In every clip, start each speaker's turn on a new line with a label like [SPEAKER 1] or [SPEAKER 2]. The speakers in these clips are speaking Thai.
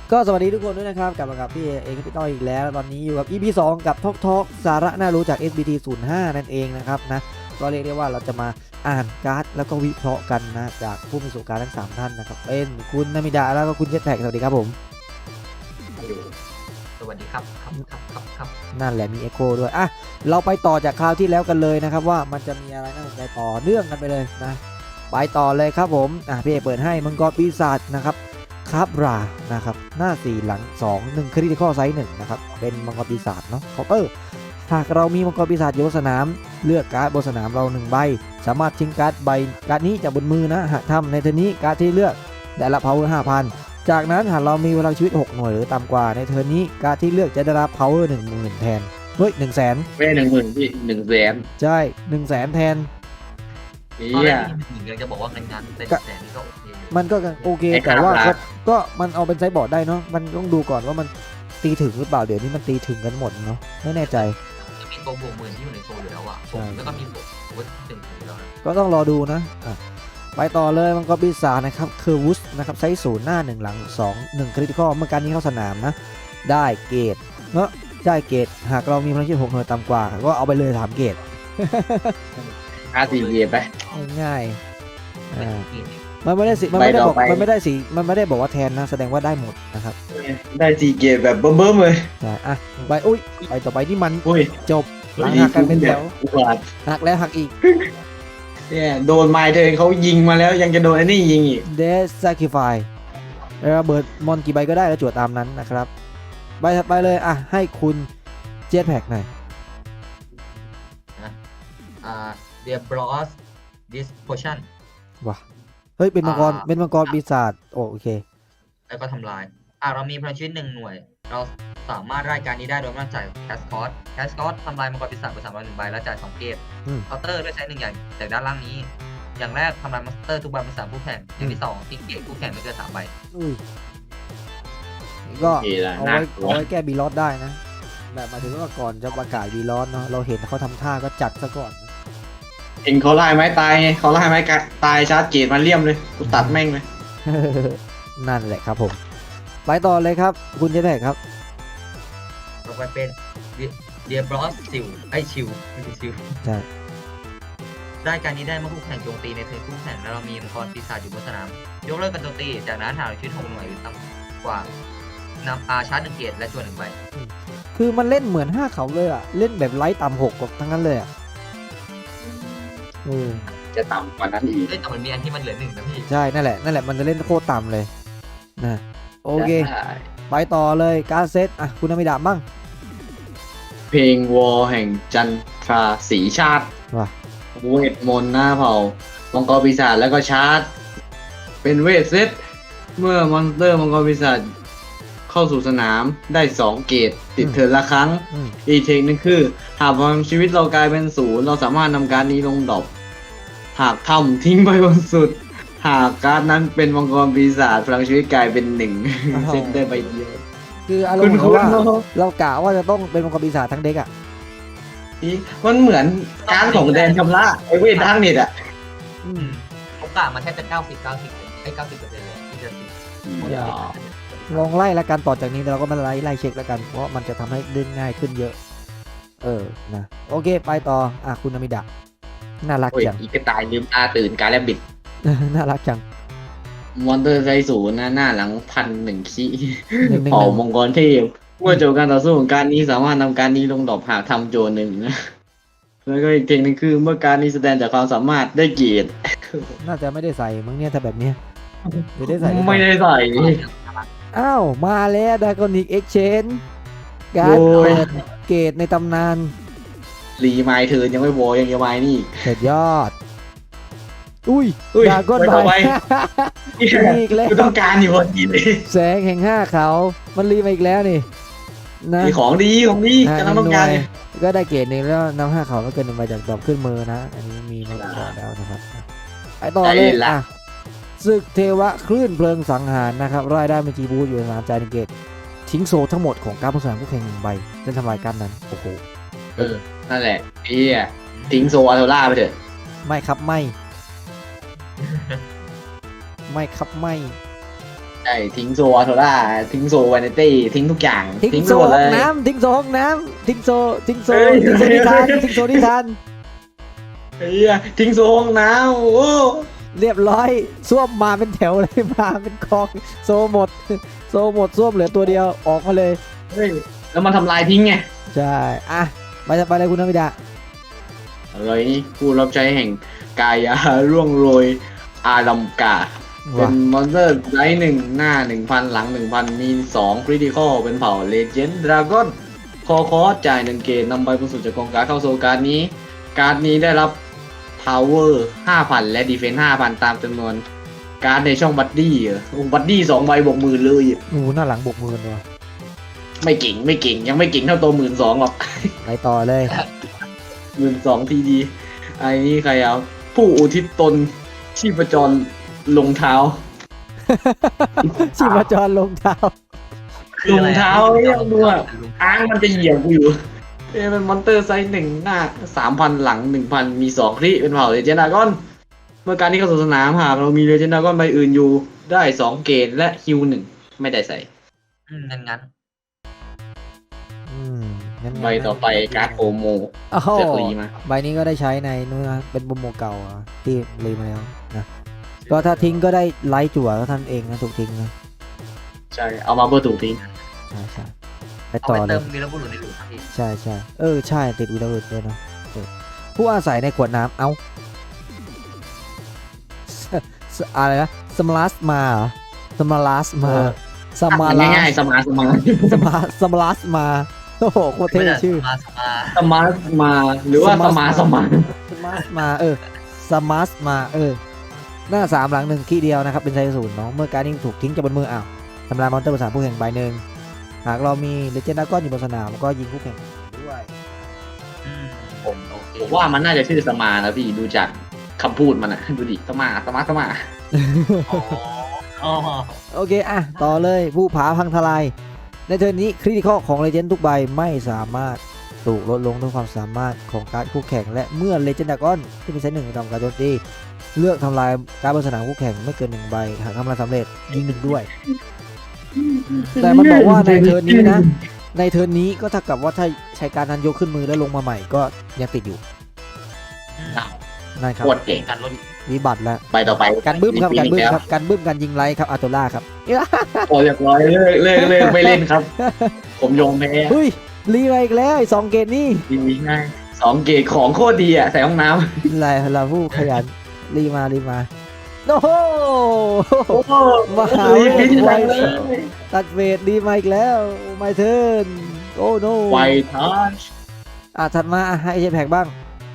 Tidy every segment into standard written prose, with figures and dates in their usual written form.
[SPEAKER 1] ก็สวัสดีทุกคนด้วยนะครับกลับมากับพี่เองพี่ต้อยอีกแล้วตอนนี้อยู่กับ EP 2กับทอกสาระน่ารู้จาก SBT 05นั่นเองนะครับนะก็เรียกได้ว่าเราจะมาอ่านการ์ดแล้วก็วิเคราะห์กันนะจากผู้มีประสบการณ์ทั้ง3ท่านนะครับเป็นคุณนามิดาแล้วก็คุณเจ็ตแพ็กสวัสดีครับผม
[SPEAKER 2] สวัสดีครับ
[SPEAKER 1] นั่นแหละมีเอ็โคด้วยอ่ะเราไปต่อจากคราวที่แล้วกันเลยนะครับว่ามันจะมีอะไรน่าสนใจต่อเนื่องกันไปเลยนะไปต่อเลยครับผมพี่เอเปิดให้มังกรปีศาจนะครับคาบรานะครับหน้า4หลัง2 1คริติคอลไซส์1นะครับเป็นมังกรปีศาจเนาะเคาน์เตอร์หากเรามีมังกรปีศาจอยู่บนสนามเลือกการ์ดบนสนามเรา1ใบสามารถทิ้งการ์ดใบการ์ดนี้จากบนมือนะหากทำในเทอร์นี้การ์ดที่เลือกได้รับ power 5,000จากนั้นหากเรามีพลังชีวิต6หน่วยหรือต่ำกว่าในเทอร์นี้การ์ดที่เลือกจะได้รับ power 10,000แทนเฮ้ย100,000
[SPEAKER 3] ไม่10,000พี่100,000
[SPEAKER 1] ใช่100,000แทน
[SPEAKER 2] ตอนแร
[SPEAKER 3] เนี่ย
[SPEAKER 2] กมีหนึ่งจะบอกว่างั้นแต่แสนนี่ก็โอเค
[SPEAKER 1] มันก็โอเค
[SPEAKER 3] ไอ้
[SPEAKER 1] แต่ว่า
[SPEAKER 3] ครับ
[SPEAKER 1] ก็มันเอาเป็นไซส์บอร์ดได้เนาะมันต้องดูก่อนว่ามันตีถึงหรือเปล่าเดี๋ยวนี้มันตีถึงกันหมดเนาะไม่แน่ใจ
[SPEAKER 2] จะมีตัวบวกหมื่นที่อยู่ในโซนอยู่แล้วอะแล้วก็มีบวกถึงแล้วนะ
[SPEAKER 1] ก็ต้องรอดูนะไปต่อเลยมันก็ปีศาจนะครับเคอร์วุสนะครับไซส์0หน้า1หลัง2 1คริติคอลเมื่อการนี้เข้าสนามนะได้เกรดเนาะได้เกรดหากเรามีพลังชีวิต6หน่วยต่ำกว่าก็เอาไปเลย3เกรด
[SPEAKER 3] 5-4 เกมไป
[SPEAKER 1] ง่ายๆมันไม่ได้สิมันไม่ได้บอก
[SPEAKER 3] ไปต่อไป
[SPEAKER 1] มันไม่ได้สิมันไม่ได้บอกว่าแทนนะแสดงว่าได้หมดนะครับ
[SPEAKER 3] ได้4 เกมแบบเบิ่มๆเลย
[SPEAKER 1] ใช่ไปอุ้ยไปต่อไปที่มัน
[SPEAKER 3] อุ้ย
[SPEAKER 1] จบหลังหักกันเป็นแถว
[SPEAKER 3] อุบาท
[SPEAKER 1] หักแล้วหักอีก
[SPEAKER 3] เนี่ยโดนไมค์เธอเขายิงมาแล้วยังจะโดนไอ้นี่ยิงอีก
[SPEAKER 1] Death Sacrifice ระเบิดมอนกี่ใบก็ได้แล้วจวดตามนั้นนะครับใบถัดไปเลยให้คุณเจ็ตแพ็กหน่อย
[SPEAKER 2] เดียบรอสดิสโพชั่น
[SPEAKER 1] ว้าเฮ้ยเป็นมังกรเป็นมังกรปีศาจโอเค
[SPEAKER 2] แล้วก็ทำลายเรามีพลังชีวิต1หน่วยเราสามารถรายการนี้ได้โดยไม่ต้องจ่ายแคสคอสทำลายมังกรปีศาจไป301ใบแล้วจ่าย2เกตเคาน์เตอร์ด้วยใช้1อย่างจากด้านล่างนี้อย่างแรกทำลายมอนสเตอร์ทุกใบเป็น3ผู้แข่งอย่างที่2ทิ้งเกตผู้แข่งไม่เกิน3ใบ
[SPEAKER 1] อุ้ยก็
[SPEAKER 3] โอเคละ
[SPEAKER 1] เอา
[SPEAKER 3] น่า
[SPEAKER 1] ไว้
[SPEAKER 3] กลัว
[SPEAKER 1] เอาไว้แก้บีลอสได้นะแบบหมายถึงว่าก่อนจะประกาศบีลอสเนาะเราเห็นเขาทำท่าก็จัดซะก่อน
[SPEAKER 3] เห็นเขาไล่ไม้ตายไงเขาไล่ไม้ตายชาร์จเกตมาเลี่ยมเลยกูตัดแม่งเลย
[SPEAKER 1] นั่นแหละครับผมไปต่อเลยครับคุณเจ็ตแพ็กครับ
[SPEAKER 2] ต่อไปเป็นเดียบรอสซิลชิวไม่ใช่ซิล
[SPEAKER 1] ใช่
[SPEAKER 2] ได้การนี้ได้เมื่อคู่แข่งโจมตีในเทิร์นคู่แข่งแล้วเรามีมังกรปีศาจอยู่บนสนามยกเลิกการโจมตีจากนั้นหากเราชีวิต6หน่วยหรือต่ำกว่านำชาร์จ1เกตและจวน1ใบ
[SPEAKER 1] คือมันเล่นเหมือน5เขาเลยเล่นแบบไลท์ต่ำ6กับทั้งนั้นเลย
[SPEAKER 3] จะต่ำกว่านั้นอีก
[SPEAKER 2] แต่มันมีอันที่มันเหลือ1นะพี่
[SPEAKER 1] ใช่นั่นแหละมันจะเล่นโคตรต่ำเลยนะโอเค
[SPEAKER 3] ได้
[SPEAKER 1] ไปต่อเลยการดเซตคุณนามิดาบ้าง
[SPEAKER 3] เพลงวอลแห่งจันทราสีชาติ
[SPEAKER 1] ว่ะ
[SPEAKER 3] เวทมนต์หน้าเผ่ามังกรปีศาจแล้วก็ชาร์จ เป็นเวทเซตเมื่อมอนสเตอร์มังกรปีศาจเข้าสู่สนามได้ 2 เกตติดเทิร์นละครั้ง อีกเทคนึงคือ หากพลังชีวิตเรากลายเป็น0เราสามารถนำการดนี้ลงดรอปหากทำทิ้งไปบนสุด หากการดนั้นเป็นมังกรปีศาจพลังชีวิตกลายเป็น1เซตได้ใบเดียว
[SPEAKER 1] คืออารมณ์เหมือน
[SPEAKER 3] คุณ
[SPEAKER 1] ว่า
[SPEAKER 3] เนอะ
[SPEAKER 1] เรากะว่าจะต้องเป็นมังกรปีศาจทั้งเด็ก
[SPEAKER 3] มันเหมือนการดของแดนชำระไอเวททั้งนิดอ่ะ
[SPEAKER 2] ผมกะมาแทบจะ90%เลยที่จะติด
[SPEAKER 1] ลองไล่ละกันต่อจากนี้เราก็มาไล่เช็คแล้วกันเพราะมันจะทำให้เล่นง่ายขึ้นเยอะนะโอเคไปต่อคุณนามิดาน่ารัก
[SPEAKER 3] โอ้ย
[SPEAKER 1] จัง
[SPEAKER 3] อีกกระต่ายลืมตาตื่นการแลบบิด
[SPEAKER 1] น่ารักจัง
[SPEAKER 3] มอนเตอร์ไซสูนย์นะหน้าหลัง1,000ขี้
[SPEAKER 1] 111
[SPEAKER 3] เผ่ามังกรเทพเมื่อจบการต่อสู้ของการนี้สามารถนำการนี้ลงดอกหากทำโจร1นะ แล้วก็อีกเทคนิคคือเมื่อการนี้แสดงจากความสามารถได้เกียรติ
[SPEAKER 1] น่าจะไม่ได้ใส่มึงเนี่ยถ้าแบบเนี้ยหรือได้ใส่หรือเปล่า
[SPEAKER 3] ไม่ได้ใส่
[SPEAKER 1] อ้าวมาแล้วดากอนิกเอ็กชแนนการ์ด
[SPEAKER 3] โอ้ย
[SPEAKER 1] เปิดเกรดในตำนาน
[SPEAKER 3] รีไมล์เทิร์นยังไม่โวยังจะไมล์นี่อีก
[SPEAKER 1] เสร็จยอด อุ้ย
[SPEAKER 3] อุ้ย
[SPEAKER 1] ดากอน
[SPEAKER 3] ไป
[SPEAKER 1] ไบ
[SPEAKER 3] ต่อไป
[SPEAKER 1] อีกแล้ว
[SPEAKER 3] กูต้องการอยู่พอดีเลย
[SPEAKER 1] แสงแห่ง5เขามันรีมาอีกแล้วนี่นะ
[SPEAKER 3] มีของดีกำลังต้องการ
[SPEAKER 1] ก็ได้เกรดหนึ่งแล้วนำ5เขาไม่เกิน1ใบจากดอกขึ้นมือนะ อันนี้มีมาก่อนแล้วนะครับไปต่อเลยศึกเทวะคลื่นเพลิงสังหารนะครับรายได้เป็นจีบูอยู่ในสนามจ่าย1เกตทิ้งโซทั้งหมดของการผสมคู่แข่ง1ใบจะทำลายการนั้นโอ้โห
[SPEAKER 3] นั่นแหละพี่ทิ้งโซอาโทล่าไปเถอะ
[SPEAKER 1] ไม่ครับไม่ ไม่ครับไม่
[SPEAKER 3] ใช่ทิ้งโซอาโทล่าทิ้งโซวานิตี้ทิ้งทุกอย่าง
[SPEAKER 1] ทิ้ง
[SPEAKER 3] ไป
[SPEAKER 1] โซ
[SPEAKER 3] หมด
[SPEAKER 1] ห้
[SPEAKER 3] เล
[SPEAKER 1] อง
[SPEAKER 3] ย
[SPEAKER 1] น้ำทิ้งโซห้องน้ำทิ้งโซ
[SPEAKER 3] เฮ้ย
[SPEAKER 1] นิทานทิ้งโซนิทาน
[SPEAKER 3] เฮียทิ้งโซห้องน้ำโอ้
[SPEAKER 1] เรียบร้อยส้วมมาเป็นแถวเลยมาเป็นกองโซหมดส้วมเหลือตัวเดียวออกมาเลย
[SPEAKER 3] เฮ้ยแล้วมันทำลายทิ้งไง
[SPEAKER 1] ใช่อ่ะไปเลยคุณนวิดา
[SPEAKER 3] อะไรนี่ผู้รับใช้แห่งกายาร่วงโรยอารัมกา เป็นมอนสเตอร์ไลท์1 หน้า 1,000 หลัง 1,000 มี2คริติคอลเป็นเผ่าเลเจนด์ดราก้อนคอจ่าย1 เกตนำใบบนสุดจากกองการ์ดเข้าโซลการ์ดนี้ การ์ดนี้ได้รับ Power 5,000 และ Defense 5,000 ตามจำนวนการ์ดในช่องบัดดี้บัดดี้2 ใบบวก10,000เลยอะ
[SPEAKER 1] โอ้หน้าหลังบกมือเลย
[SPEAKER 3] ไม่เก่งยังไม่เก่งเท่าตัว12,000หรอก
[SPEAKER 1] ไปต่อเลย
[SPEAKER 3] 12,000ทีดีไอ้นี่ใครเอาผู้อุทิศตนชีพจรลงเท้า
[SPEAKER 1] ชีพจรลงเท้า
[SPEAKER 3] รองเท้ายังดูอ่ะอ้างมันจะเหยียบกูอยู่เป็นมอนเตอร์ไซส์1 หน้า 3,000 หลัง 1,000 มี2 คริเป็นเผ่าเลเจนดากอนเมื่อการที่เข้าสู่สนามหากเรามีเลเจนดากอนใบอื่นอยู่ได้2 เกตและฮิว1ไม่ได้ใส่
[SPEAKER 2] งั้น
[SPEAKER 1] งั้น
[SPEAKER 3] ใบต่อไปการ์ดโอโม
[SPEAKER 1] โอ้โห
[SPEAKER 3] เสือกรีมา
[SPEAKER 1] ใบนี้ก็ได้ใช้ในนู้นนะเป็นบุมโมเก่าอ่ะที่รีมาแล้วนะก็ถ้าทิ้งก็ได้ไลท์จั่วก็ท่านเองนะถูกทิ้งนะ
[SPEAKER 3] ใช่ เอามาเพื่อถูกทิ้ง
[SPEAKER 1] ใช่ไป
[SPEAKER 2] เอา
[SPEAKER 1] ต่อ
[SPEAKER 2] ไป
[SPEAKER 1] เล
[SPEAKER 2] เติ
[SPEAKER 1] ย
[SPEAKER 2] มวีรบุรุษในหลุมครับพี่
[SPEAKER 1] ใช่ใช่ติดวีรบุรุษด้วยเนาะผู้อาศัยในขวดน้ำอะไรนะสมาร์สมาเหรอสมาร์สมาสมาร์
[SPEAKER 3] ง่ายๆสมาร์ท
[SPEAKER 1] สมาร์สมาโอ้โหโคตรเท่ชื่อ
[SPEAKER 3] สมาร์ทมาหรือว่าสมาร์ท
[SPEAKER 1] สมาร์สมาสมาร์สมาหน้า3หลัง1ขี้เดียวนะครับเป็นไซส์0เนาะเมื่อการนี้ถูกทิ้งจากบนมืออ้าวทำลายมอนเตอร์ภาษาผู้แข่งใบหนึ่งหากเรามีเลเจนดากอนอยู่บนสนามก็ยิงผู้แข่งด้วย
[SPEAKER 3] ผมว่ามันน่าจะชื่อสมาร์นะพี่ดูจากคำพูดมันอะดูดิสมาร์ท
[SPEAKER 2] อ๋อ
[SPEAKER 1] โอเคอ่ะต่อเลยผู้ผาพังทลายในเทิร์นนี้คริติคอลของเลเจนด์ทุกใบไม่สามารถถูกลดลงด้วยความสามารถของการ์ดคู่แข่งและเมื่อเลเจนดากอนที่มีไซส์1ทำการโจมตีเลือกทำลายการ์ดบนสนามคู่แข่งไม่เกิน1ใบหากทำลายสำเร็จยิง1ด้วย แต่มันบอกว่าในเทิร์นนี้นะในเทิร์นนี้ก็เท่ากับว่าถ้าใช้การนั้นยกขึ้นมือแล้วลงมาใหม่ก็ยังติดอยู่นั่นครับ
[SPEAKER 3] โคตรเก่ง
[SPEAKER 2] การลด
[SPEAKER 1] วิบัติแล้ว
[SPEAKER 3] ไปต่อไป
[SPEAKER 1] การบึ้มครับการบึ้มครับการบึ้มการยิงไลท์ครับอาโตล่าครับ
[SPEAKER 3] โอ้เรียบร้อยเลิกไม่เล่นครับ ผมยอมแพ้
[SPEAKER 1] เฮ้ยรีมาอีกแล้วไอ้2เกมนี่
[SPEAKER 3] ดีง่าย2 เกตของโคตรดีอ่ะใส่ห้องน้ำ
[SPEAKER 1] เราผู้ขยันรีมาโอ้โห
[SPEAKER 3] โอ้โห
[SPEAKER 1] มาหา
[SPEAKER 3] รีบพิจารณาเลย
[SPEAKER 1] ตัดเวทรีมาอีกแล้วไม่เทิร์นโอ้โน
[SPEAKER 3] ไวทัช
[SPEAKER 1] ถัดมาให้เจแพกบ้าง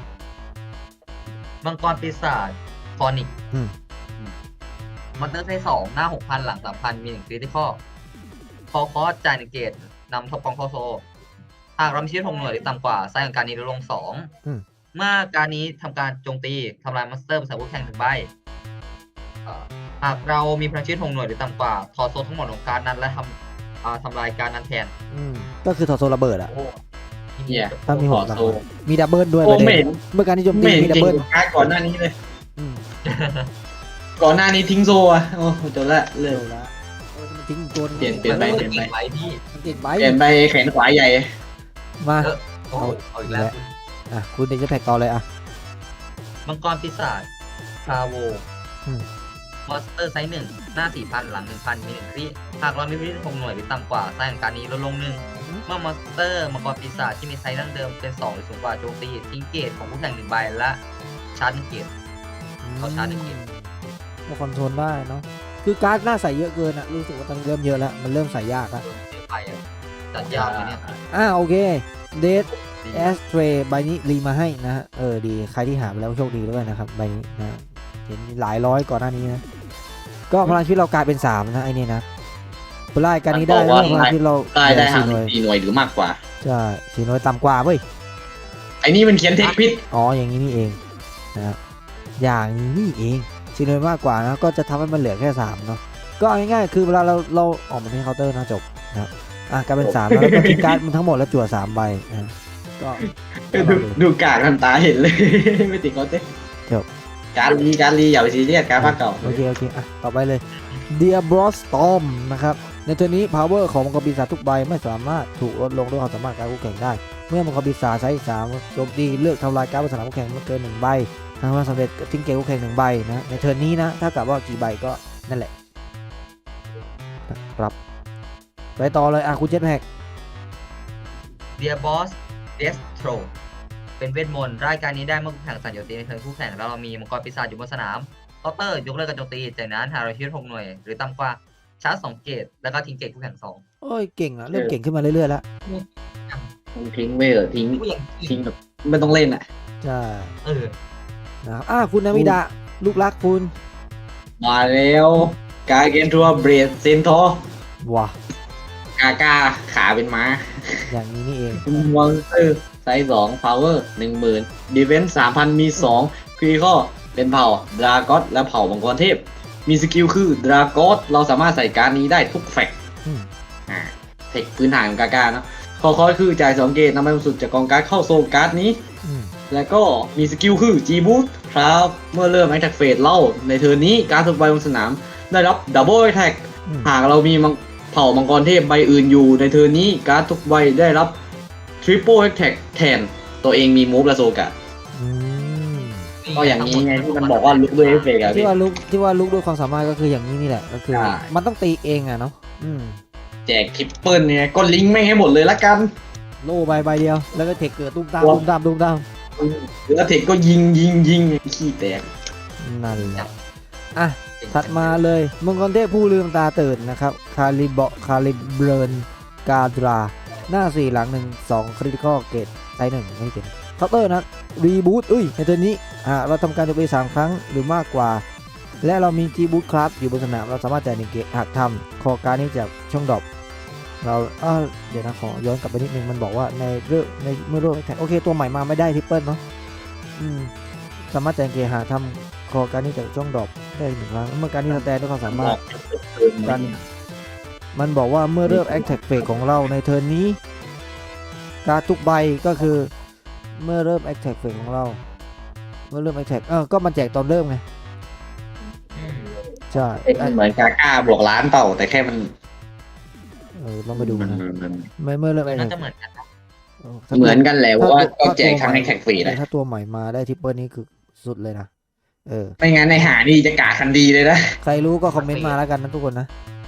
[SPEAKER 2] มังกรปีศาจฟอนิก
[SPEAKER 1] อืม
[SPEAKER 2] มอนเตอร์ไซส์2หน้า 6,000 หลัง 3,000 มี1คริติคอลคอสจ่าย1 เกตนำท็อปกองเข้าโซหากเรามีชีวิต6 หน่วยหรือต่ำกว่าไซส์ของการนี้ลดลง 2 เมื่อการนี้ทำการโจมตีทำลายมอนสเตอร์ภาษาผู้แข่ง1 ใบหากเรามีพลังชีวิต6 หน่วยหรือต่ำกว่าถอดโซทั้งหมดของการนั้นและทำลายการนั้นแทน
[SPEAKER 1] ก็คือถอดโซระเบิดอะ
[SPEAKER 2] โอ้
[SPEAKER 3] เนี่ย
[SPEAKER 1] ถ้ามี
[SPEAKER 3] ข
[SPEAKER 1] ห
[SPEAKER 3] อก
[SPEAKER 1] หลัง
[SPEAKER 3] โซ
[SPEAKER 1] มีดับเบิลด้วย
[SPEAKER 3] โอ้
[SPEAKER 1] ประ
[SPEAKER 3] ไม่
[SPEAKER 1] เด็
[SPEAKER 3] เห็
[SPEAKER 1] น
[SPEAKER 3] น
[SPEAKER 1] เมื่อการที่โจมตี
[SPEAKER 3] ไม่เห็น
[SPEAKER 1] มีดับ
[SPEAKER 3] เก่ง
[SPEAKER 1] เบิล
[SPEAKER 3] การก่อนหน้านี้เลย
[SPEAKER 1] อืม
[SPEAKER 3] ก่อนหน้านี้ทิ้งโซอ่ะโอ้จบละเลิ
[SPEAKER 1] เร็
[SPEAKER 3] ก
[SPEAKER 1] วละมันทิ้งตัวนึง
[SPEAKER 3] เปลี่ยนไป
[SPEAKER 2] ไว้ที่
[SPEAKER 1] มันติดใบ
[SPEAKER 3] เปลี่ยนไปแขนขวาใหญ่
[SPEAKER 1] มา
[SPEAKER 2] โอ้เอาอีกแล้ว
[SPEAKER 1] คุณเดชแพกต่อเลยอ่ะ
[SPEAKER 2] มังกรปีศาจคาโว
[SPEAKER 1] อืม
[SPEAKER 2] มอนสเตอร์ไซส์ 1 หน้า 4,000 หลัง 1,000 มี1 คริหากเรามีชีวิต6 หน่วยหรือต่ำกว่าไซส์ของการนี้ลดลง 1 เมื่อมอนสเตอร์มังกรปีศาจที่มีไซส์ดั้งเดิมเป็น2หรือสูงกว่าโจมตีทิ้งเกตของผู้แข่ง1 ใบและชาร์จ1 เกต เขาชาร์จ1 เกต
[SPEAKER 1] ก็คอนโทรลได้เนาะคือการ์ดหน้าใส่เยอะเกินอะรู้สึกว่าตอนนี้เริ่มเยอะแล้วมันเริ่มใส่ยากอะ
[SPEAKER 2] เยอะไปอะจัดยากเลยเนี่ย
[SPEAKER 1] โอเคเดท
[SPEAKER 2] ดี
[SPEAKER 1] แอสเทรใบนี้รีมาให้นะฮะดีใครที่หาไปแล้วโชคดีด้วยนะครับใบนี้นะเห็นหลายร้อยก่อนหน้านี้นะก็พลังชีวิตเรากลายเป็น3นะไอ้นี่นะปลายการนี้ได้
[SPEAKER 3] มันบอกว่า
[SPEAKER 1] พลังชีวิตเรา
[SPEAKER 3] ได้ห่าง
[SPEAKER 1] 4หน่วย
[SPEAKER 3] 4 หน่วยหรือมากกว่า
[SPEAKER 1] ใช่4หน่วยต่ำกว่าเว้ย
[SPEAKER 3] ไอ้นี่มันเขียนเทคพิษ
[SPEAKER 1] อ๋ออย่างนี้นี่เองนะครับอย่างนี้นี่เอง4หน่วยมากกว่านะก็จะทำให้มันเหลือแค่3เนาะก็เอาง่ายๆคือเวลาเราออกมาที่เคาน์เตอร์นะจบนะครับกลายเป็น3แล้วก็ทิ้งการ์ดมันทั้งหมดแล้วจั่ว3ใบนะก็
[SPEAKER 3] ดูกากทันตาเห็นเลย ไม่ติดเขาเต้การลีอย่าไปซีเรียสการภาคเก่า
[SPEAKER 1] โอเคอ่ะต่อไปเลย Dear Bros Storm นะครับในเทอร์นี้ power ของมังกรปีศาจทุกใบไม่สามารถถูกลดลงด้วยความสามารถการคู่แข่งได้ เมื่อมังกรปีศาจใช้3โจมตีเลือกทำลายการ์ดบนสนามคู่แข่งไม่เกิน1ใบทำให้สำเร็จทิ้งเกมคู่แข่ง1ใบนะในเทอร์นี้นะถ้ากับว่ากี่ใบก็นั่นแหละครับไปต่อเลยคุณเจ็ตแพ็ก
[SPEAKER 2] Dear Boss Destro เป็นเวทมนต์รายการนี้ได้เมื่อคู่แข่งสั่นโจมตีในเทิร์นคู่แข่งแล้วเรามีมังกรปีศาจอยู่บนสนามเคาน์เตอร์ยกเลิกการโจมตีจากนั้นหากเราชีวิต6หน่วยหรือต่ำกว่าชาร์จ2เกตแล้วก็ทิ้งเกตคู่แข่ง2
[SPEAKER 1] โอ้ยเก่งอ่ะเริ่มเก่งขึ้นมาเรื่อยๆแล้ว
[SPEAKER 3] ทิ้งไม่เหรอทิ้งแบบไม่ต้องเล่นอ่ะ
[SPEAKER 1] ใช่
[SPEAKER 2] เออ
[SPEAKER 1] นะครับคุณนามิดะลูกรักคุณ
[SPEAKER 3] มาแล้วกาเกนทัวเบรดเซนทอ
[SPEAKER 1] ว้าก
[SPEAKER 3] าขาเป็นม้า
[SPEAKER 1] อย่างนี้นี่เอง
[SPEAKER 3] มอนสเตอร์ไซส์2 power 10,000 defense 3,000 มี2 critical เป็นเผ่าดราก้อนและเผ่ามังกรเทพ มีสกิลคือดราก้อนเราสามารถใส่การ์ดนี้ได้ทุกแฟกต์
[SPEAKER 1] อืม
[SPEAKER 3] เทคพื้นฐานของกาเนาะคอคือจ่าย2เกตนำไปบรรจุจากกองการ์ดเข้าโซลการ์ดนี้
[SPEAKER 1] อืม
[SPEAKER 3] แล้วก็มีสกิลคือ G Boost ครับเมื่อเริ่ม Attack Phase เล่าในเทิร์นนี้การทุกใบบนสนามได้รับ Double Attack
[SPEAKER 1] อืม
[SPEAKER 3] หากเรามีเผ่ามังกรเทพใบอื่นอยู่ในเทิร์นนี้การ์ดทุกใบได้รับ Triple Attack แทนตัวเองมีมูฟและโซกะ
[SPEAKER 1] อืม
[SPEAKER 3] ก็อย่างนี้ไงที่มันบอกว่าลุกด้วยเอฟเฟกต์อะ
[SPEAKER 1] ที่
[SPEAKER 3] พี่
[SPEAKER 1] ว่าลุกด้วยความสามารถก็คืออย่างนี้นี่แหละก็คือ
[SPEAKER 3] ใช่
[SPEAKER 1] มันต้องตีเองอ่ะเนาะ
[SPEAKER 3] แจกทริปเปิลเนี่ยก็ลิงก์ไม่ให้หมดเลยละกัน
[SPEAKER 1] โล่ใบเดียวแล้วก็เทคเกิดตุ้มตาม
[SPEAKER 3] ว้าว
[SPEAKER 1] ตุ้มตามตุ้มตาม
[SPEAKER 3] แล้วเทคก็ยิงขี้แตก
[SPEAKER 1] นั่นแหละอ่ะถัดมาเลยมังกรเทพผู้ลืมตาตื่นนะครับคาลิเบรนกาดราหน้า4หลัง1 2คริติคอลเกตไซส์1ไม่เป็นเคาน์เตอร์นะรีบูตในตัวนี้เราทำการโจมตี3ครั้งหรือมากกว่า และเรามีจีบูตครับอยู่บนสนามเราสามารถจ่าย1เกตหากทำคอการดนี้จากช่องดรอปเราเดี๋ยวนะขอย้อนกลับไปนิดนึงมันบอกว่าในเมื่อเริ่มแท็กโอเคตัวใหม่มาไม่ได้ทริปเปิลเนาะสามารถจ่าย1เกตหากทำคอการดนี้จากช่องดรอปได้1ครั้งเมื่อการนี้สแตนด้วยความสามารถกันมันบอกว่าเมื่อเริ่มแอคแท็กเฟสของเราในเทิร์นนี้การดทุกใบก็คือเมื่อเริ่มแอคแท็กเฟสของเราเมื่อเริ่มแอคแท็กก็มันแจกตอนเริ่มไงใช่
[SPEAKER 3] เหมือนกาบวกล้านเต่าแต่แค่มัน
[SPEAKER 1] ต้องไปดูนะไม่เมื่อเริ่มแอค
[SPEAKER 2] น่า
[SPEAKER 1] แท็
[SPEAKER 2] จะ
[SPEAKER 1] ก
[SPEAKER 2] เหมือนกันนะ
[SPEAKER 3] เหมือนกันแหละเพราะว่าก็แจกทั้งในแท็กฟรีเลย
[SPEAKER 1] ถ้าตัวใหม่มาได้ทริปเปิลนี้คือสุดเลยนะ
[SPEAKER 3] ไม่งั้นในหานี่จะกาคันดีเลยนะ
[SPEAKER 1] ใครรู้ก็คอมเมนต์มาแล้วกันนะทุกคนนะ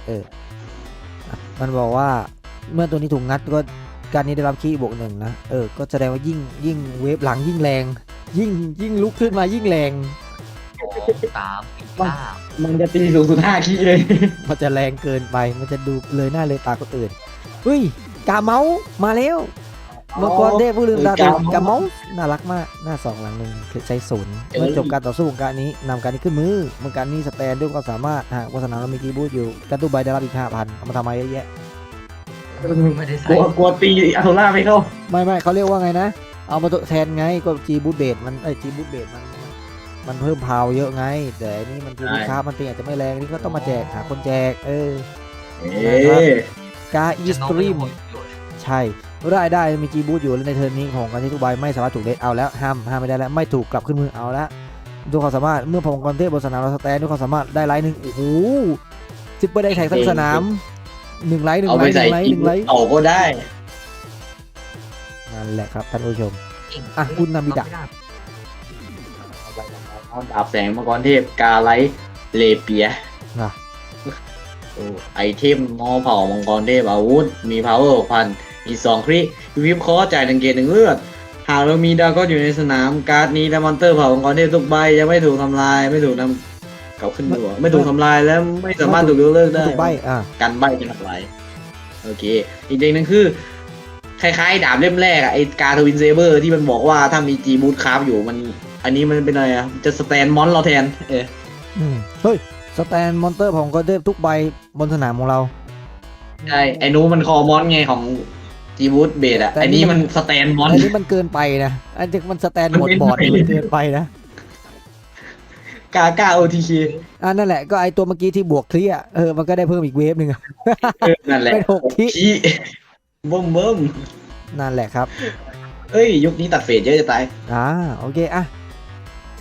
[SPEAKER 1] มันบอกว่าเมื่อตัวนี้ถูกงัดก็การนี้ได้รับคีย์บวก1นะก็แสดงว่ายิ่งเวฟหลังยิ่งแรงยิ่งลุกขึ้นมายิ่งแรง
[SPEAKER 2] 2 3 4 5
[SPEAKER 3] มันจะตีสูงสุด5คีย์เลย
[SPEAKER 1] มันจะแรงเกินไปมันจะดูเลยหน้าเลยตาคนอื่นเฮ้ยกาเมาส์มาแล้วมังกรเทพผู้ลืมตาตื่นกาเมาส์น่ารักมากหน้า2หลัง1คือใช้ศูนย์เมื่อจบการต่อสู้ของการนี้นำการนี้ขึ้นมือเมื่อการนี้สแตนด้วยความสามารถหากบนสนามเรามีกีบูทอยู่การตู้ใบได้รับอีก 5,000 เอามาทำไมเยอะแยะ
[SPEAKER 2] ไม่ได้ใส่
[SPEAKER 3] กลัวตีอัลโทล่าไม่เข้า
[SPEAKER 1] ไม่เขาเรียกว่าไงนะเอามาแทนไงก็จีบูทเบดมันจีบูทเบดมันเพิ่มพาวเยอะไงแต่อันนี่มันจีบูทคาร์มันตีอาจจะไม่แรงนี่ก็ต้องมาแจกหาคนแจกกาอีสตรีมใช่ได้มีจีบูทอยู่แล้วในเทิร์นนี้ของการที่ทุกใบไม่สามารถถูกเลทเอาแล้วห้ามไม่ได้แล้วไม่ถูกกลับขึ้นมือเอาแล้วด้วยความสามารถเมื่อพลังกรเทพบนสนามเราสแตนด้วยความสามารถได้ไลท์1โอ้โหซิปเปอร์ได้แข่งทั้งสนาม1ไลท์
[SPEAKER 3] เอาไปใส่จีบเอาก็ได้
[SPEAKER 1] นั่นแหละครับท่านผู้ชมคุณนามิดะ
[SPEAKER 3] ดาบแสงมังกรเทพกาไลเลเปียไอเทมมอเผ่ามังกรเทพอาวุธมี power 6,000 มี2คริวิปคอจ่าย1เกต1เลือดหากเรามีดาก็อยู่ในสนามการ์ดนี้และมอนเตอร์เผ่ามังกรเทพทุกใบยังไม่ถูกทำลายไม่ถูกนำเก่าขึ้นตัวไม่ถูกทำลายและไม่สามารถถูกยกเลิกได้
[SPEAKER 1] ใบ
[SPEAKER 3] กันใบเป็นอะไรโอเคอีกอย่างนึงคือคล้ายๆดาบเล่มแรกอะไอ้กาทวินเซเบอร์ที่มันบอกว่าถ้ามีจีบูทคราฟอยู่มันอันนี้มันเป็นอะไรอะจะสแตนมอนเราแทน
[SPEAKER 1] เฮ้ยสแตนมอนเตอร์ของก็เทพทุกใบบนสนามของเรา
[SPEAKER 3] ใช่ไอ้นู้นมันคอมอนไงของจีบูทเบดอะไอ้นี้มันสแตนมอน
[SPEAKER 1] อันนี้มันเกินไปนะอันนี้มันสแตนหมดบอร์ดมันเกินไปนะ
[SPEAKER 3] กาโอทีเค
[SPEAKER 1] นั่นแหละก็ไอตัวเมื่อกี้ที่บวกเคลียร์มันก็ได้เพิ่มอีกเวฟหนึ่ง
[SPEAKER 3] นั่นแหละ
[SPEAKER 1] เป็น6ที
[SPEAKER 3] บึ้ม
[SPEAKER 1] นั่นแหละครับ
[SPEAKER 3] เอ้ยยุคนี้ตัดเฟสเยอะจะตาย
[SPEAKER 1] โอเคเท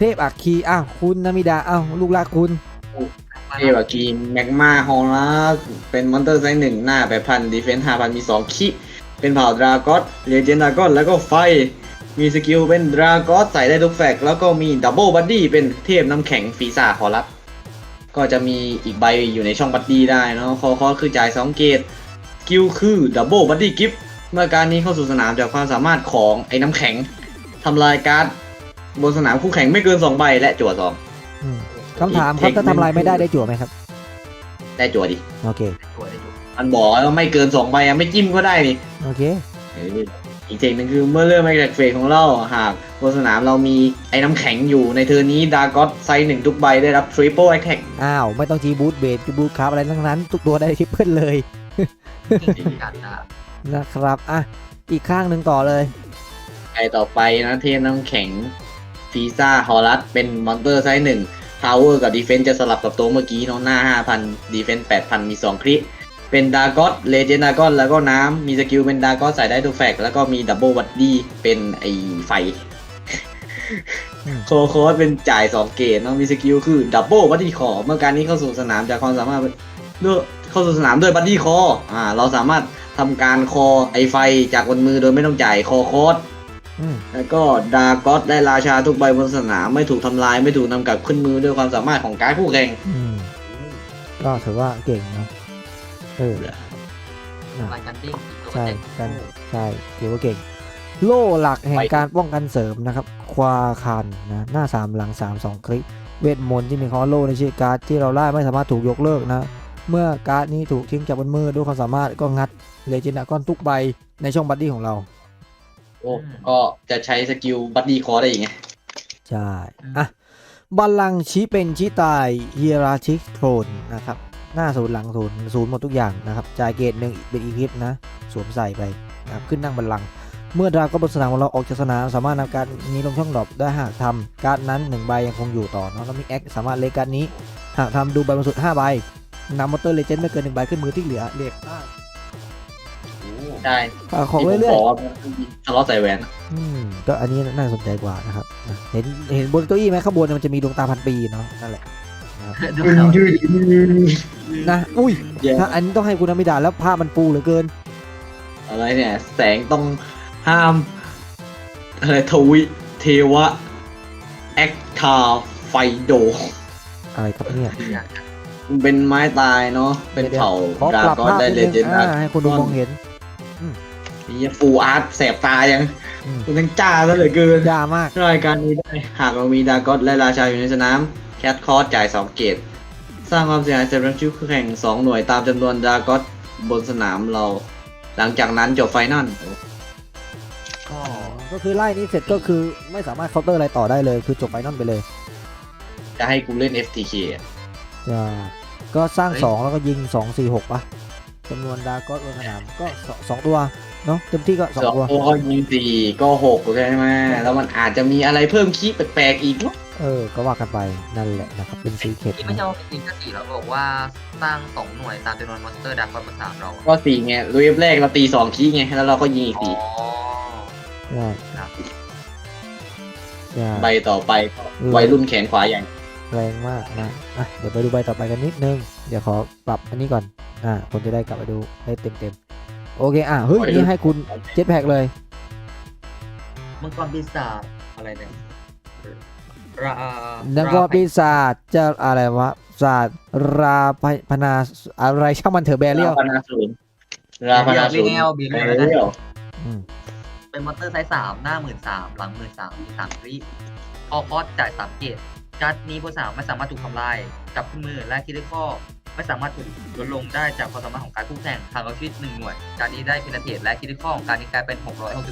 [SPEAKER 1] ทพอัคคีอ้าวคุณนามิดาอ้าวลูกรักคุณ
[SPEAKER 3] เอวากีแมกมาฮอลลัสเป็นมอนเตอร์ไซส์1หน้า8,000ดีเฟนส์5,000มี2คิเป็นเผ่าดราก้อนเลเจนดราก้อนแล้วก็ไฟมีสกิลเป็นดราก้อนใส่ได้ทุกแฟกแล้วก็มีดับเบิลบัดดี้เป็นเทพน้ำแข็งฟีซ่าขอรับก็จะมีอีกใบอยู่ในช่องบัดดี้ได้เนาะคอคือจ่าย2เกตสกิลคือดับเบิลบัดดี้กิฟต์เมื่อการนี้เข้าสู่สนามจากความสามารถของไอ้น้ำแข็งทำลายการ์ดบนสนามคู่แข่งไม่เกิน2ใบและจั่ว2
[SPEAKER 1] อืมคำถามครับถ้าทำลายไม่ได้ได้จั่วไหมครับ
[SPEAKER 3] ได้จั่วดิ
[SPEAKER 1] โอเค
[SPEAKER 2] ได้อยู่
[SPEAKER 3] มันบอกว่าไม่เกิน2ใบอะไม่จิ้มก็ได้นี่
[SPEAKER 1] โอเค
[SPEAKER 3] อีกเทคนึงคือเมื่อเริ่มแอคแท็กเฟสของเราหากบนสนามเรามีไอ้น้ำแข็งอยู่ในเทอร์นี้ดาร์กอสไซส์1ทุกใบได้รับทริปเปิลแอคแท็ก
[SPEAKER 1] อ้าวไม่ต้องจีบูทเบสจีบูทคราฟอะไรทั้งนั้นทุกตัวได้ทริปเปิลเลย
[SPEAKER 2] จริงๆกันนะ
[SPEAKER 1] นะครับอ่ะอีกข้างหนึ่งต่อเลย
[SPEAKER 3] ไอต่อไปนะเทพน้ำแข็งฟีซ่าฮอลัสเป็นมอนเตอร์ไซส์1พาวเวอร์กับดีเฟนส์จะสลับกับตัวเมื่อกี้เนาะหน้า 5,000ดีเฟนส์8,000มี2คริเป็นดากอสเลเจนดากอนแล้วก็น้ำมีสกิลเป็นดากอสใส่ได้ทุกแฟกแล้วก็มีดับเบิลวัดดี้เป็นไอไฟ
[SPEAKER 1] อืม
[SPEAKER 3] โคสเป็นจ่าย 2 เกตเนาะมีสกิลคือดับเบิลบัดดี้คอเมื่อการนี้เข้าสู่สนามจากความสามารถด้วยเข้าสู่สนามด้วยบัดดี้คอเราสามารถทำการคอไอไฟจากบนมือโดยไม่ต้องจ่ายคอโคส
[SPEAKER 1] อืม
[SPEAKER 3] แล้วก็ดากอสได้ราชาทุกใบบนสนามไม่ถูกทำลายไม่ถูกนำกลับขึ้นมือด้วยความสามารถของการดคู่แข่ง
[SPEAKER 1] อืมก็ถือว่าเก่งนะเออ
[SPEAKER 2] รายการติ้งอีกตัว
[SPEAKER 1] ใช่
[SPEAKER 2] เด็ก
[SPEAKER 1] กันใช่ถือว่าเก่ง โล่หลักแห่งการป้องกันเสริมนะครับ ควาคันนะหน้า 3 หลัง 3 2 คลิก เวทมนต์ที่มีคำว่าโล่ในชื่อการ์ดที่เราไล่ไม่สามารถถูกยกเลิกนะ เมื่อการ์ดนี้ถูกทิ้งจากบนมือด้วยความสามารถก็งัดเลเจนด์ก้อนทุกใบในช่องบัดดี้ของเรา
[SPEAKER 3] ก็จะใช้สกิลบัดดี้คอได้อีกไง
[SPEAKER 1] ใช่อ่ะบัลลังก์ชี้เป็นชี้ตายเฮียราชิกโทรนนะครับ หน้าศูนย์หลังศูนย์ศูนย์หมดทุกอย่างนะครับ จ่ายเกตหนึ่งเป็นอีพิปนะ สวมใส่ไปนะครับขึ้นนั่งบัลลังก์เมื่อดราก้อนบนสนามของเราออกจากสนามสามารถนำการนี้ลงช่องดรอปได้หากทำการ์ดนั้น1ใบยังคงอยู่ต่อเนาะแล้วมีแอคสามารถเลกการ์ดนี้ หากทำดูใบบนสุด5ใบนำมอเตอร์เลเจนด์ไม่เกิน1ใบขึ้นมือที่เหลือเรียกได้
[SPEAKER 3] ได้
[SPEAKER 1] ของ
[SPEAKER 3] ที่ผม
[SPEAKER 1] เรื่อย
[SPEAKER 3] บอกว่าทะเลาะใส่แหวน
[SPEAKER 1] ๆก็อันนี้น่าสนใจกว่านะครับเห็นบนเก้าอี้ไหมข้างบนมันจะมีดวงตาพันปีเนาะนั่นแหละนะครับ
[SPEAKER 2] ดูเขา
[SPEAKER 1] นะอุ้ย
[SPEAKER 3] แย่
[SPEAKER 1] ถ้าอันนี้ต้องให้คุณนามิดาแล้วภาพมันปูเหลือเกิน
[SPEAKER 3] อะไรเนี่ย แสงต้องห้าม อะไรทวิเทวะแอคทาไฟโด
[SPEAKER 1] อะไรครับเนี่ย
[SPEAKER 3] มันเป็นไม้ตายเนาะเป็นเผ่า
[SPEAKER 1] ขอ
[SPEAKER 3] ดรา
[SPEAKER 1] ปรับ
[SPEAKER 3] ก้อน
[SPEAKER 1] ภาพ
[SPEAKER 3] ได้
[SPEAKER 1] นิด
[SPEAKER 3] เล
[SPEAKER 1] นึง
[SPEAKER 3] เจนด์
[SPEAKER 1] ให้คนดูมองเห็น
[SPEAKER 3] นี่ฟูอาร์ตแสบตายัง
[SPEAKER 1] อืม
[SPEAKER 3] มันทั้งจ้าซะเหลือเกิน
[SPEAKER 1] ยามาก
[SPEAKER 3] รายการนี้ได้หากเรามีดากอสและราชาอยู่ในสนามแคทคอร์จ่าย2เกตสร้างความเสียหายสำหรับชุดคู่แข่ง2หน่วยตามจำนวนดากอสบนสนามเรา หลังจากนั้นจบไฟนอล
[SPEAKER 2] ก็
[SPEAKER 1] ก็คือไล่นี้เสร็จก็คือไม่สามารถเคาน์เตอร์อะไรต่อได้เลยคือจบไฟนอลไปเลย
[SPEAKER 3] จะให้กูเล่น FTK อะ
[SPEAKER 1] จะก็สร้าง 2 แล้วก็ยิง 2 4 6ปะจำนวนดาร์กอสบนสนามก็2ตัวเนาะเต็มที่ก็
[SPEAKER 3] สอง
[SPEAKER 1] 2 ตัว
[SPEAKER 3] ตัวก็ยิง4ก็6ใช่ไหมแล้วมันอาจจะมีอะไรเพิ่มคีย์แปลกๆอีกเนอะ
[SPEAKER 1] ก็ว่ากันไปนั่นแหละนะครับเป็นซีเคร็ต
[SPEAKER 2] ที่ไม่ใช่ว่าเป็นแค่สี่แล้วบอกว่าสร้าง2หน่วยตามจำนวนมอนสเตอร์ดักคอนภาษาเรา
[SPEAKER 3] ก็4ไงเวฟแรกเราตี2คีย์ไงแล้วเราก็ยิงอีก
[SPEAKER 2] อ๋อ
[SPEAKER 1] ใช่
[SPEAKER 2] ครับ
[SPEAKER 1] ใช่
[SPEAKER 3] 4ใบต่อไปก็วัยรุ่นแขนขวาอย่าง
[SPEAKER 1] แรงมากนะเดี๋ยวไปดูใบต่อไปกันนิดนึงเดี๋ยวขอปรับอันนี้ก่อนคนจะได้กลับไปดูได้เต็มโอเคเฮ้ยนี่ให้คุณเจ็ตแพ็กเลย
[SPEAKER 2] มังกรปีศาจอะไรเนี่ยรา
[SPEAKER 1] แล้วก็ปีศาจจะอะไรวะศาสตร์ราพนาอะไรช่างมันเถอะแบเรียล
[SPEAKER 3] ราพนาศูนย์ราพนาศูนย์
[SPEAKER 2] บี
[SPEAKER 3] ไป
[SPEAKER 2] เรียล
[SPEAKER 3] เรื่อย
[SPEAKER 2] เป็นมอนสเตอร์ไซส์3หน้า13,000หลัง13,000มี3คลิพอคอสจ่าย3เกตการ์ดนี้บนสนามไม่สามารถถูกทำลายจับขึ้นมือและคิดได้ข้อไม่สามารถถูกลดลงได้จากความสามารถของการคู่แข่งทางเอาชีวิต1หน่วยการนี้ได้เพนเทตและคิดได้ข้อของการนี้กลายเป็น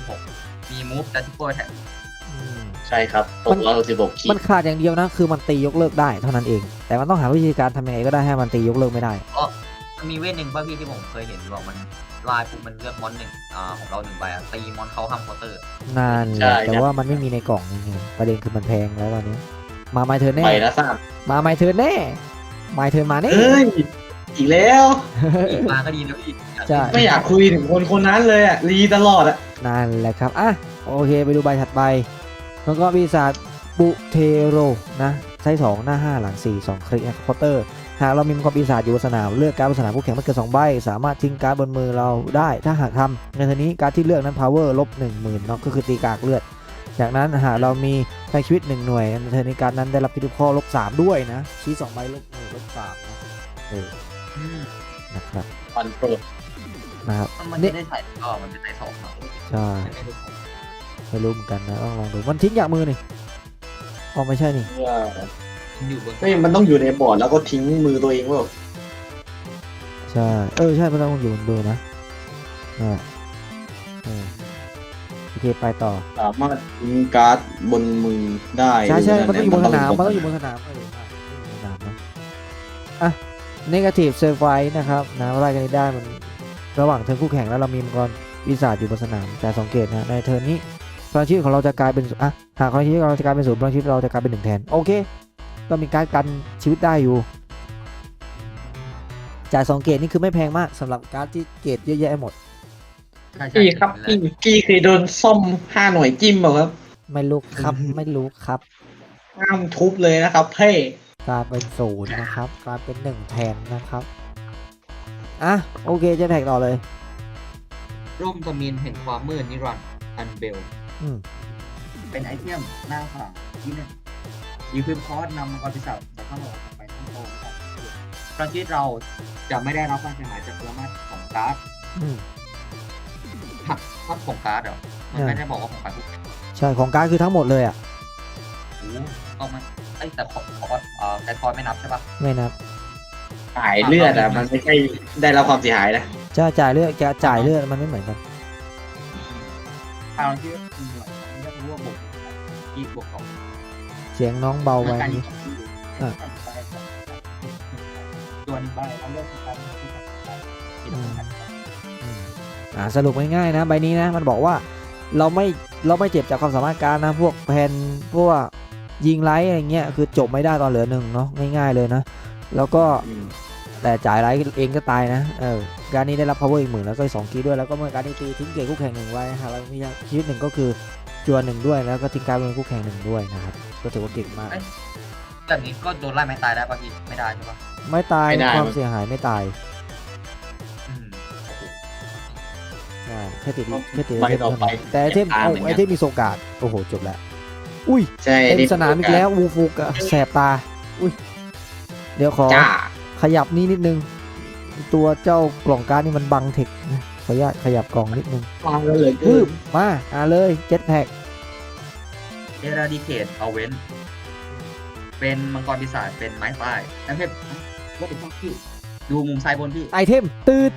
[SPEAKER 2] 666มีมูฟและทิปเปิลแท็ก
[SPEAKER 3] ใช่ครับ616คี
[SPEAKER 1] มันขาดอย่างเดียวนะคือมันตียกเลิกได้เท่านั้นเอง แต่มันต้องหาวิธีการทำยังไงก็ได้ให้มันตียกเลิกไม่ได้
[SPEAKER 2] มันมีเวทหนึ่งป่ะพี่ที่ผมเคยเห็นบอกมันลายปุ๊บมันเลือกมอนหนึ่งของเรา1ใบตีมอนเขาห้ามเคาน์เตอร์
[SPEAKER 1] นั่นแหละแต่ว่ามันไม่มีในกล่องนี่ไงประเด็นคือมันแพงแล้วตอนนี้มาไมเธอแน่
[SPEAKER 3] ไปแล้วทราบ
[SPEAKER 1] มาไมเธอแน่ไมเธอมาแน่
[SPEAKER 3] เอ้ยอีกแล้ว
[SPEAKER 2] อีกมาก็ดีนะพี่
[SPEAKER 1] ใช่
[SPEAKER 3] ไม่อยากคุยถึงคนคนนั้นเลยอ่ะรีตลอดอ่ะ
[SPEAKER 1] นั่นแหละครับโอเคไปดูใบถัดไปแล้วก็ปีศาจบุเทโรนะใช้2หน้า5หลัง4 2คลิกนะครับเคาน์เตอร์หากเรามีมังกรปีศาจอยู่บนสนามเลือกการ์ดบนสนามคู่แข่งไม่เกิน2ใบสามารถทิ้งการ์ดบนมือเราได้ถ้าหากทำในทีนี้การ์ดที่เลือกนั้น power ลบ 10,000เนาะก็คือตีกากเลือดจากนั้นหากเรามีพลังชีวิต1หน่วยในเทอร์นี้การ์ดนั้นได้รับพิธีข้อลบ3ด้วยนะชี้2ใบลบ1ลบ3นะนะครับ
[SPEAKER 3] ปันโปรด
[SPEAKER 1] นะครับ
[SPEAKER 2] มันไม่ได้ใส่ก็มันเป็นใส่สองเนาะ
[SPEAKER 1] ใช่
[SPEAKER 2] ไม่รู้
[SPEAKER 1] ไม่รู้เหมือนกันนะต้องลองดูมันทิ้งจากมือนี่อ๋อไม่ใช่นี่
[SPEAKER 2] มันอยู่บน
[SPEAKER 3] ไม่มันต้องอยู่ในบอร์ดแล้วก็ทิ้งมือตัวเองว่า
[SPEAKER 1] ใช่ใช่มันต้องอยู่บนมือนะโอเคไปต่อ
[SPEAKER 3] สามารถทิ้งการ์ดบนมือได้
[SPEAKER 1] ใช่มันต้องอยู่บนสนาม
[SPEAKER 3] มั
[SPEAKER 1] มัน
[SPEAKER 3] น
[SPEAKER 1] ต้
[SPEAKER 3] ต้
[SPEAKER 1] อ
[SPEAKER 3] อง ง
[SPEAKER 1] อยู่บนสนามสนามนะอ่ะ negative surprise นะครับนะไล่กันได้มันระหว่างเทิร์นคู่แข่งแล้วเรามีมังกรปีศาจอยู่บนสนามแต่สังเกตนะในเทิร์นนี้พลังชีวิตของเราจะกลายเป็นหากพลังชีวิตของเราจะกลายเป็น0พลังชีวิตเราจะกลายเป็น1แทนโอเคก็มีการกันชีวิตได้อยู่จ่าย2เกรดนี่คือไม่แพงมากสำหรับการ์ดที่เกรดเยอะแยะหมด
[SPEAKER 3] พี่ครับพี่เคยโดนซ่อม5 หน่วยจิ้มเปล่าครับ
[SPEAKER 1] ไม่รู้ครับ ไม่รู้ครับ
[SPEAKER 3] ห้ามทุบเลยนะครับเพ่
[SPEAKER 1] กลายเป็น0นะครับกลายเป็น1แทนนะครับอ่ะโอเคจะแท็กต่อเลย
[SPEAKER 2] ร่มตะมินแห่งความมืดนิรันดร์อันเบล
[SPEAKER 1] อืม
[SPEAKER 2] เป็นไอเทมหน้าฝาที่1ยีคืนคอร์สนำมังกรปีศาจจากข้างหลังไปข้างโตพลังชีวิตเราจะไม่ได้รับความเสียหายจากพลังงานของการ์ด
[SPEAKER 1] อืม
[SPEAKER 2] หักภาพของการ์ดเหรอมันไม่ได้บอกว่าของการ์ดทุกอย่าง
[SPEAKER 1] ใช่ของการ์ดคือทั้งหมดเลยอ่ะ
[SPEAKER 2] เอามันแต่ของแคทคอร์ไม่นับใช่ปะ
[SPEAKER 1] ไม่นับ
[SPEAKER 3] จ่ายเลือดอ่ะมันไม่ใช่ได้รับความเสียหายนะ
[SPEAKER 1] จะจ่ายเลือดแกจ่ายเลือดมันไม่เหมือนกัน
[SPEAKER 2] พลังชีวิตคือหน่วยไม่ได้รู้ว่าบวกอีกบวกสอง
[SPEAKER 1] เสียงน้องเบาไป
[SPEAKER 2] การ
[SPEAKER 1] นี้
[SPEAKER 2] ส่วนใบเราเลือกการที่จะไป
[SPEAKER 1] สรุปง่ายๆนะใบนี้นะมันบอกว่าเราไม่เจ็บจากความสามารถการนะพวกแพนพวกยิงไลท์อะไรเงี้ยคือจบไม่ได้ตอนเหลือ1เนาะง่ายๆเลยนะแล้วก็แต่จ่ายไลท์เองก็ตายนะการนี้ได้รับ power อีก10,000แล้วก็2คีย์ด้วยแล้วก็เมื่อการนี้ตีทิ้งเกรดคู่แข่ง1ไว้หากเรามีชีวิต1ก็คือจวน1ด้วยแล้วก็ทิ้งการเป็นคู่แข่ง1ด้วยนะครับก็ถือว่าเก่งมาก
[SPEAKER 2] แบบนี้ก็โดนไล่ไม่ตายได้ป่ะพี่ไม่ได้ใช่ปะ
[SPEAKER 1] ไม่ตายความเสียหายไม่ตายใช่แค่ติด
[SPEAKER 3] ไปต่อไป
[SPEAKER 1] แต่ไอเทมไอเทมมีโซกาดโอ้โหจบแล้วอุ้ย
[SPEAKER 3] ใช่
[SPEAKER 1] เต็มสนามอีกแล้ววูฟูกอะแสบตาอุ้ยเดี๋ยวขอ
[SPEAKER 3] จ้า
[SPEAKER 1] ขยับนี่นิดนึงตัวเจ้ากล่องการ์ดนี่มันบังเทคนะขออนุญาตขยับกล่องนิดนึง
[SPEAKER 3] ฟังกันเลย
[SPEAKER 1] ปึ๊บมาเลยเจ็ตแพ็ก
[SPEAKER 2] เอราดิเคทเอาเว้นเป็นมังกรปีศาจเป็นไม้ตายแล้วเพชรว่าเป็นข้อคิวดูมุมซ้ายบนพี่
[SPEAKER 1] ไอเทมตื้อ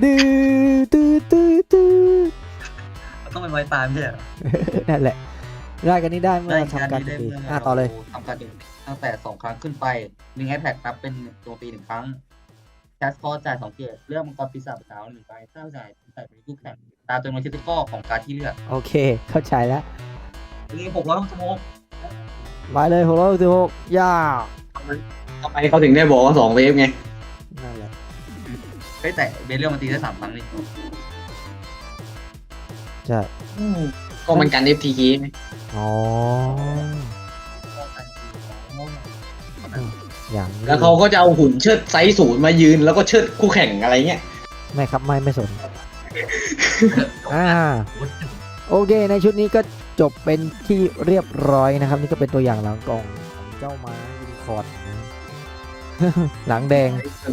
[SPEAKER 2] ต้องเป็นไม้ตายไม่ใช่เหรอ
[SPEAKER 1] นั่นแหละได้กันนี้ได้เมื่อทำการโจมตีต่อเลย
[SPEAKER 2] ทำการโจมตีตั้งแต่2 ครั้งขึ้นไป1 iPad นับเป็นโจมตี1 ครั้งแคสคอร์จ่าย2 เกตเลือกมังกรปีศาจขาว1 ใบถ้าจ่ายใส่เป็นคู่แข่งตามจำนวนคริติคอลของการที่เลือก
[SPEAKER 1] โอเคเข้าใจแล้ว
[SPEAKER 2] นี่600ชั่วโมง
[SPEAKER 1] ไปเลย666ย่า
[SPEAKER 3] ทำไมเขาถึงได้บอกว่า2 เวฟไง
[SPEAKER 1] นั่นแหละ
[SPEAKER 2] เฮ้ยแต่เบลเลียมมันตีได้3 ครั้งนี่
[SPEAKER 1] ใช่
[SPEAKER 3] ก็มันกัน FTK ไหม
[SPEAKER 1] อ๋ออย่างนี้
[SPEAKER 3] แล้วเขาก็จะเอาหุ่นเชิดไซส์0มายืนแล้วก็เชิดคู่แข่งอะไรเงี้ย
[SPEAKER 1] ไม่ครับไม่สน โอเคในชุดนี้ก็จบเป็นที่เรียบร้อยนะครับ นี่ก็เป็นตัวอย่างหลังกล่องของเจ้าม้ายูนิคอร์นนะ หลังแดง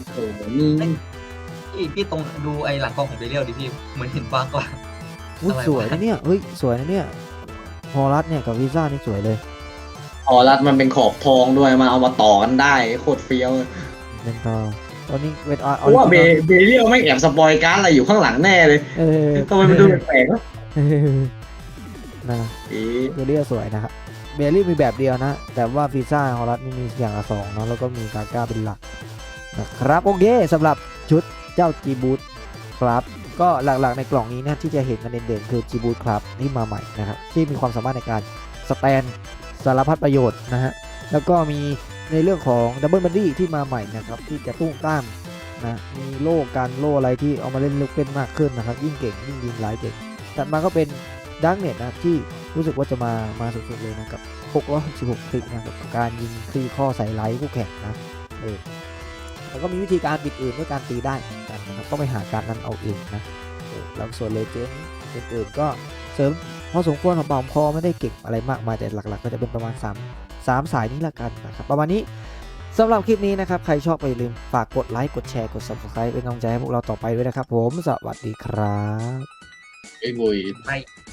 [SPEAKER 2] พี่ตรงดูไอ้หลังกล้องของเบลเลียมดิพี่เหมือนเห็นฟ้ากว่า
[SPEAKER 1] อุ๊ย
[SPEAKER 2] อะไรวะ
[SPEAKER 1] สวยนะเนี่ยเฮ้ยสวยนะเนี่ยฮอรัสเนี่ยกับวีซ่านี่สวยเลย
[SPEAKER 3] อ๋อรัดมันเป็นขอบทองด้วยมาเอามาต่อกันได้โคตรเฟี้ยว
[SPEAKER 1] เป็นต่อตอนนี้เป็น
[SPEAKER 3] เพราะว่าเบเรียลไม่แอบสปอยการ์ดอะไรอยู่ข้างหลังแน่เลยทำไมมันดูแปลกๆวะ
[SPEAKER 1] นะเบลลี่สวยนะครับเบลลี่มีแบบเดียวนะ แต่ว่าวีซ่าฮอรัสนี่มีอย่างละ2เนาะแล้วก็มีกาก้าเป็นหลักนะครับโอเคสำหรับชุดเจ้าจีบูทครับก็หลักๆในกล่องนี้นะที่จะเห็นกันเด่นๆคือจีบูทครับที่มาใหม่นะครับที่มีความสามารถในการสแตนสารพัดประโยชน์นะฮะแล้วก็มีในเรื่องของดับเบิลบัดดี้ที่มาใหม่นะครับที่จะตุ้งต้ามนะมีโล่กันโล่อะไรที่เอามาเล่นลึกเป็นมากขึ้นนะครับยิ่งเก่งยิ่งยิงหลายเก่งถัดมาก็เป็นดังเน็ตนะที่รู้สึกว่าจะมาสุดๆเลยนะกับ666คลิกนะกับการยิงคลีข้อใส่ไลท์คู่แข่งนะแล้วก็มีวิธีการปิดอื่นด้วยการตีได้เหมือนกันนะครับก็ไปหาการนั้นเอาเองนะแล้วส่วนเลเจนด์อื่นๆก็เสริมพอสมควรของเบาพอไม่ได้เก่งอะไรมากมายแต่หลักๆก็จะเป็นประมาณ3สายนี้ละกันนะครับประมาณนี้สำหรับคลิปนี้นะครับใครชอบก็อย่าลืมฝากกดไลค์กดแชร์กด Subscribe เป็นกำลังใจให้พวกเราต่อไปด้วยนะครับผมสวัสดีครับ
[SPEAKER 3] ไอ้บุย
[SPEAKER 2] ไป